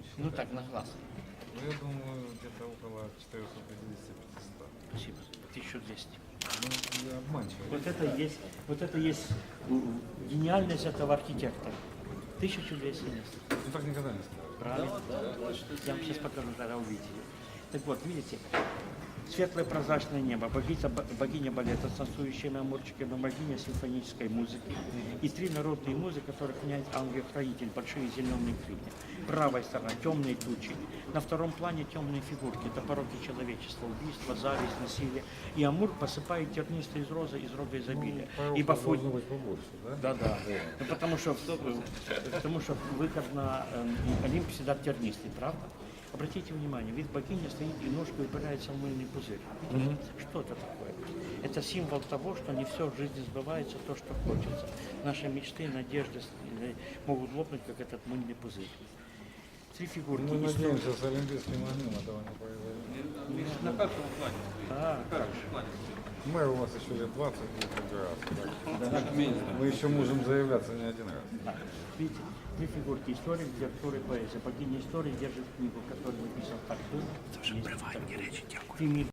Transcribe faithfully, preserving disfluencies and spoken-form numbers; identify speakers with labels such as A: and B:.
A: Ну так, на глаз.
B: Ну, я думаю, где-то около четырёхсот пятидесяти - пятисот.
A: Спасибо. тысяча двести.
B: Ну, я обманчивый.
A: Вот это есть, вот это есть м, гениальность этого архитектора. тысяча двести мест.
B: Ну, так никогда не сказал.
A: Правильно? Я вам сейчас покажу, тогда увидите. Так вот, видите, светлое прозрачное небо, богиня, богиня балета, танцующая амурчиками, богиня симфонической музыки и три народные музыки, которых князь ангел-хранитель, большие зеленые крылья. Правая сторона – темные тучи. На втором плане темные фигурки. Это пороки человечества, убийство, зависть, насилие. И Амур посыпает тернистые из розы, из рога изобилия.
B: Ну,
A: Ибо фу...
B: должно быть побольше, да?
A: Да, да. Ну, потому что, потому что выход на э, Олимп всегда тернистый, правда? Обратите внимание, вид богини стоит и ножкой упирается в мыльный пузырь. Видите? Что это такое? Это символ того, что не все в жизни сбывается, то, что хочется. Наши мечты, надежды э, могут лопнуть, как этот мыльный пузырь. Три фигурки.
B: Мы
A: И
B: надеемся, с Олимпийским огнем этого не произойдет.
C: На первом плане.
A: А,
C: На первом плане.
B: Мэр у вас еще лет двадцать будет выбираться. Так что
C: Чуть меньше.
B: мы еще можем заявляться не один раз.
A: да. Видите, три фигурки. История, литература и поэзия. Богиня истории держит книгу, которую написал так. Есть такой. Фемид